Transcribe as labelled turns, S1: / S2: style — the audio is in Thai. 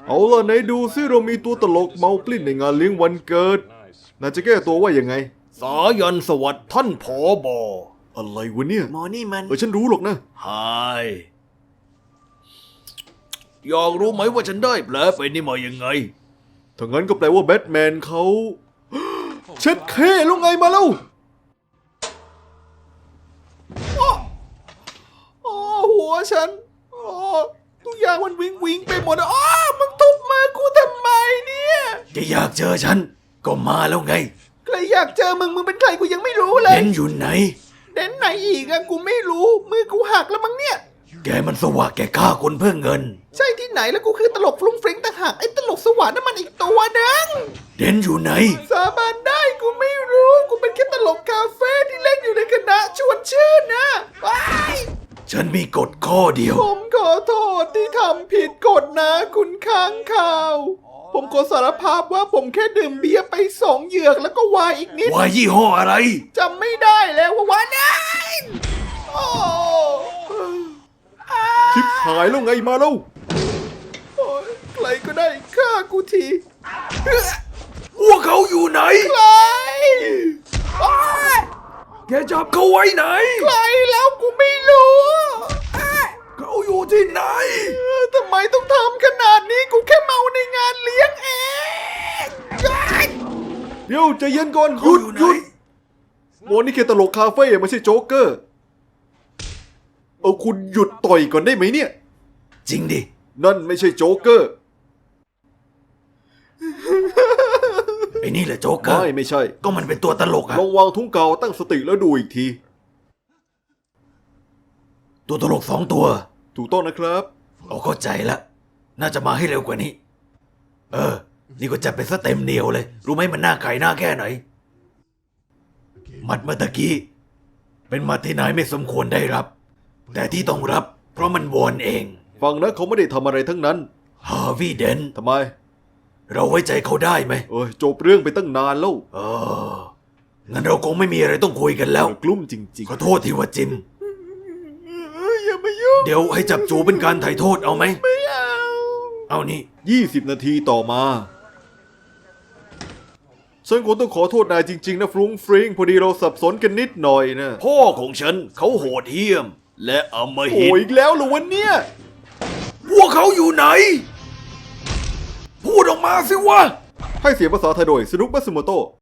S1: เอาล่ะไหนดูซิเรามีตัวตลกเมากลิ้นในงานเลี้ยงวันเกิดน่าจะแก้ตัวว่ายังไงสายันสวัสดิ์ท่านผบ.อะไรวะเนี่ยหมอนี่มันฉันรู้หรอกนะไฮอยากรู้ไหมว่าฉันได้แผลไปนี่มายังไงถ้างั้นก็แปลว่าแบทแมนเขา เช็ดเคลูกไงมาแล้วอ๋อหัวฉันอ๋อทุกอย่างมันวิงไปหมดอ๋อมึงทุบมือกูทำไมเนี่ยจะอยากเจอฉันก็มาแล้วไงใครอยากเจอมึงเป็นใครกูยังไม่รู้เลยเด่นอยู่ไหนเด่นไหนอีกอะกูไม่รู้มือกูหักแล้วมั้งเนี่ยแกมันสวะแกฆ่าคนเพื่อเงินใช่ที่ไหนแล้วกูคือตลกฟรุ้งฟริ้งต่างหากไอ้ตลกสวะนั่นมันอีกตัวนึงเด่นอยู่ไหนสาบานได้กูไม่รู้กูเป็นแค่ตลกคาเฟ่ที่เล่นอยู่ในคณะชวนชื่นนะไปฉันมีกฎข้อเดียวผมขอโทษที่ทำผิดกฎนะคุณค้างข่าวผมขอสารภาพว่าผมแค่ดื่มเบียร์ไป2 เหยือกแล้วก็วายอีกนิดวายยี่ห้ออะไรจำไม่ได้แล้วว่าวายไหนโอ้ชิบหายแล้วไงมาแล้วใครก็ได้ฆ่ากูทีพวกเขาอยู่ไหนใครแกจับเขาไว้ไหนใครแล้วกูไม่รู้เขาอยู่ที่ไหนทำไมต้องทำขนาดนี้กูแค่เมาในงานเลี้ยงเองเดี๋ยวใจเย็นก่อนหยุดโมนี่แค่ตลกคาเฟ่ไม่ใช่โจ๊กเกอร์เอาคุณหยุดต่อยก่อนได้ไหมเนี่ยจริงดินั่นไม่ใช่โจ๊กเกอร์ไอ้นี่แหละโจ๊กเกอร์ไม่ใช่ก็มันเป็นตัวตลกอะลองวางทุ่งเกาตั้งสติแล้วดูอีกทีตัวตลก2 ตัวถูกต้องนะครับเข้าใจละน่าจะมาให้เร็วกว่านี้นี่ก็จัดเป็นซะเต็มเหนียวเลยรู้ไหมมันน่าไก่หน้าแค่ไหนหมัดเมื่อตะกี้เป็นหมัดที่นายไม่สมควรได้รับแต่ที่ต้องรับเพราะมันวอนเองฟังนะเขาไม่ได้ทำอะไรทั้งนั้นฮาร์วีย์เดนทำไมเราไว้ใจเขาได้ไหมจบเรื่องไปตั้งนานแล้วงั้นเราคงไม่มีอะไรต้องคุยกันแล้วกลุ้มจริงๆขอโทษทีว่าจิมอย่ามายุ่งเดี๋ยวให้จับจูเป็นการไถ่โทษเอาไหมไม่เอานี่20 นาทีต่อมาฉันคงต้องขอโทษนายจริงๆนะฟรุ้งฟริ้งพอดีเราสับสนกันนิดหน่อยนะพ่อของฉันเขาโหดเหี้ยมและอำมหิตโอ้อีกแล้วเหรอวันเนี้ยพวกเขาอยู่ไหนพูดออกมาสิวะให้เสียงภาษาไทยโดยสนุกมัตสึโมโตะ